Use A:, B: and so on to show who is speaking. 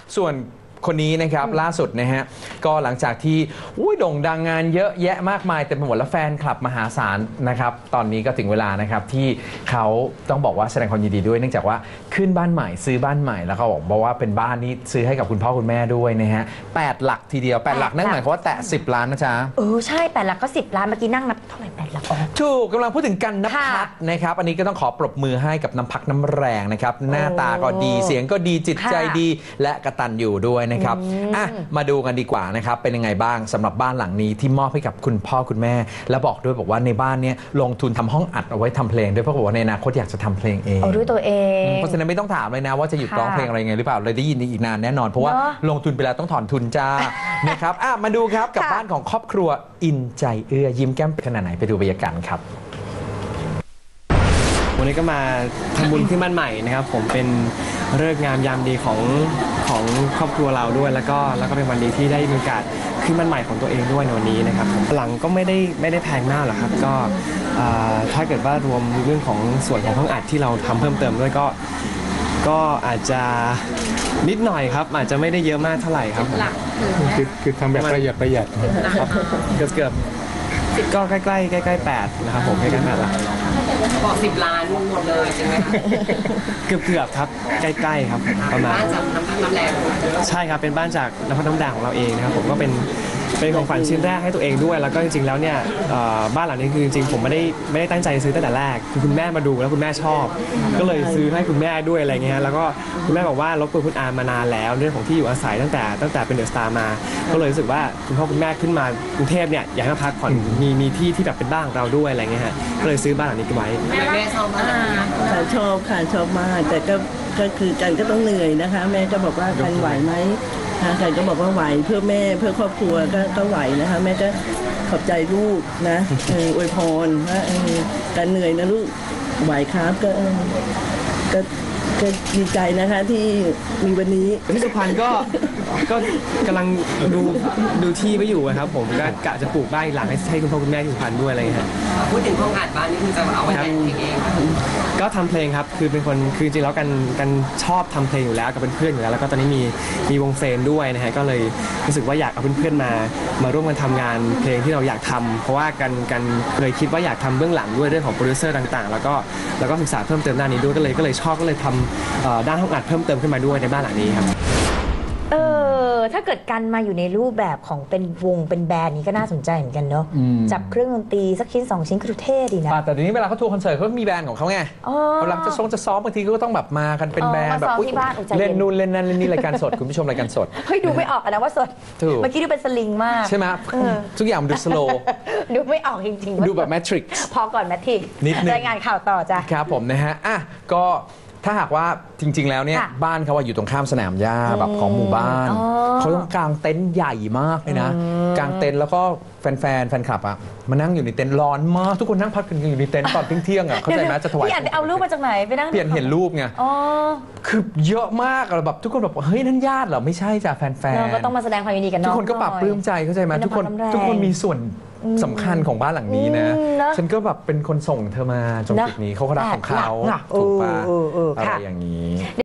A: ส่วนคนนี้นะครับล่าสุดนะฮะก็หลังจากที่โด่งดังงานเยอะแยะมากมายเต็มไปหมดแล้วแฟนคลับมหาศาลนะครับตอนนี้ก็ถึงเวลานะครับที่เขาต้องบอกว่าแสดงความยินดีด้วยเนื่องจากว่าขึ้นบ้านใหม่ซื้อบ้านใหม่แล้วเขาบอกว่าเป็นบ้านนี้ซื้อให้กับคุณพ่อคุณแม่ด้วยนะฮะ8 หลักทีเดียว8 หลักนั่นหมายความว่าแตะ10 ล้านนะจ๊ะ
B: ใช่8 หลักก็10 ล้านเมื่อกี้นั่งนับเท่าไหร่8 หลัก
A: ถูกกำลังพูดถึงกันณภัทรนะครับอันนี้ก็ต้องขอปรบมือให้กับน้ำพักน้ำแรงนะครับหน้าตาก็ดีเสียงก็ดีจิตใจดีและกตัญญูด้วยนะครับมาดูกันดีกว่านะครับเป็นยังไงบ้างสำหรับบ้านหลังนี้ที่มอบให้กับคุณพ่อคุณแม่และบอกด้วยบอกว่าในบ้านนี้ลงทุนทำห้องอัดเอาไว้ทำเพลงด้วยเพราะบอกว่าในอนาคตอยากจะทำเพลงเอง
B: ด้วยตัวเอง
A: เพราะฉะนั้นไม่ต้องถามเลยนะว่าจะหยุดร้องเพลงอะไรไงหรือเปล่าเลยได้ยินอีกนานแน่นอนเพราะว่าลงทุนไปแล้วต้องถอนทุนจ้านะครับมาดูครับกับบ้านของครอบครัวอินใจเอื้อยิ้มแก้มขนาดไหนไปดูบรรยากาศครับ
C: วันนี้ก็มาทำบุญขึ้นบ้านใหม่นะครับผมเป็นฤกษ์งามยามดีของครอบครัวเราด้วยแล้วก็เป็นวันดีที่ได้มีโอกาสขึ้นบ้านใหม่ของตัวเองด้วยในวันนี้นะครับหลังก็ไม่ได้แพงมากหรอกครับก็ถ้าเกิดว่ารวมเรื่องของส่วนของห้องอัดที่เราทำเพิ่มเติมด้วยก็อาจจะนิดหน่อยครับอาจจะไม่ได้เยอะมากเท่าไหร่ครับ
D: คือทำแบบประหยัด
C: ครับเกือบก็ใกล้8นะครับผมใกล้8 ล้าน
E: บอก10 ล้านหมดเลยใช่ไหมคะ
C: เกือบครับใกล้ๆครับประมาณ
E: บ้านจากน้ำพักน้ำแรง
C: ใช่ครับเป็นบ้านจากน้ำพักน้ำแรงของเราเองนะครับผมก็เป็นของขวัญชิ้นแรกให้ตัวเองด้วยแล้วก็จริงๆแล้วเนี่ยบ้านหลังนี้คือจริงๆผมไม่ได้ตั้งใจซื้อตั้งแต่แรกคือคุณแม่มาดูแล้วคุณแม่ชอบก็เลยซื้อให้คุณแม่ด้วยอะไรเงี้ยแล้วก็คุณแม่บอกว่ารบกวนคุณอามานานแล้วเรื่องของที่อยู่อาศัยตั้งแต่เป็นเดอะสตาร์มาก็เลยรู้สึกว่าคุณพ่อคุณแม่ขึ้นมากรุงเทพเนี่ยอยากให้มาพักผ่อนมีที่แบบเป็นบ้านของเราด้วยอะไรเงี้ยฮะก็เลยซื้อบ้านหลังนี้ไว้
E: แม่ชอบมาก
F: ชอบค่ะชอบมากแต่ก็คือกันก็ต้องเหนื่อยนะคะแม่ก็บอกว่ากันไหวไหมกันก็บอกว่าไหวเพื่อแม่เพื่อครอบครัวก็ไหวนะคะแม่ก็ขอบใจลูกนะอวยพรว่ากันเหนื่อยนะลูกไหวครับก็ดีใจนะคะที่มีวันนี้
C: ที่สุพรรณก็กำลังดูที่ไปอยู่ครับผมก็กะจะปลูกบ้านหลังให้คุณพ่อคุณแม่ที่สุพรรณด้วยอะไรเงี้ย
E: พูดถึงห้องอัดบ้านนี่คุณจะเอาไว้แต่งเพลงเอง
C: ก็ทำเพลงครับคือเป็นคนคือจริงแล้วกันชอบทำเพลงอยู่แล้วกับเพื่อนอยู่แล้วแล้วก็ตอนนี้มีวงเฟรนด้วยนะฮะก็เลยรู้สึกว่าอยากเอาเพื่อนๆมาร่วมกันทำงานเพลงที่เราอยากทำเพราะว่ากันเคยคิดว่าอยากทำเบื้องหลังด้วยเรื่องของโปรดิวเซอร์ต่างๆแล้วก็ศึกษาเพิ่มเติมด้านนี้ด้วยก็เลยชอบก็เลยทำด้านห้องอัดเพิ่มเติมขึ้นมาด้วยในบ้านหลังนี้ครับ
B: ถ้าเกิดกันมาอยู่ในรูปแบบของเป็นวงเป็นแบรนด์นี้ก็น่าสนใจเหมือนกันเนาะจับเครื่องดนตรีสักชิ้น2 ชิ้นก็ดูเท่ดีนะ
A: แต่เดี๋ยวนี้เวลาเขาทัวร์คอนเสิร์ตเขามีแบรนด์ของเขาไงเวลาจะซ้อมบางทีก็ต้องแบบมากันเป็นแบรนด์แบบเล่นนู่นเล่นนั่นเล่นนี่รายการสดคุณผู้ชมรายการสด
B: เฮ้ยดูไม่ออกนะว่าสดเมื่อกี้ดูเป็นสลิงมาก
A: ใช่ไหมทุกอย่างมันดูสโลว์
B: ดูไม่ออกจริง
A: ๆดูแบบแมทริกซ์
B: พอก่อนแมทริกซ์รายงานข่าวต่อจ้ะ
A: ครับผมนะฮะก็ถ้าหากว่าจริงๆแล้วเนี่ยบ้านเขาอยู่ตรงข้ามสนามหญ้าแบบของหมู่บ้านเขาต้องกางเต็นท์ใหญ่มากเลยนะกางเต็นท์แล้วก็แฟนคลับมานั่งอยู่ในเต็นท์ร้อนมากทุกคนนั่งพักกันอยู่ในเต็นท์ตอนเที่ยงเข้าใจไหมจะถวาย
B: พี่เอารูปมาจากไหนไปนั่ง
A: เปลี่ยนเห็นรูปไงคือเยอะมากแบบทุกคนแบบเฮ้ยนั่นญาติเหรอไม่ใช่จ้ะแฟน
B: ๆก็ต้องมาแสดงความยินดีกัน
A: ทุกคนก็ปรับปลื้มใจเข้าใจไหมทุกคนมีส่วนสำคัญของบ้านหลังนี้นะฉันก็แบบเป็นคนส่งเธอมาจนจุดนี้เขาก็รักของเขาถูกปะอะไรอย่างนี้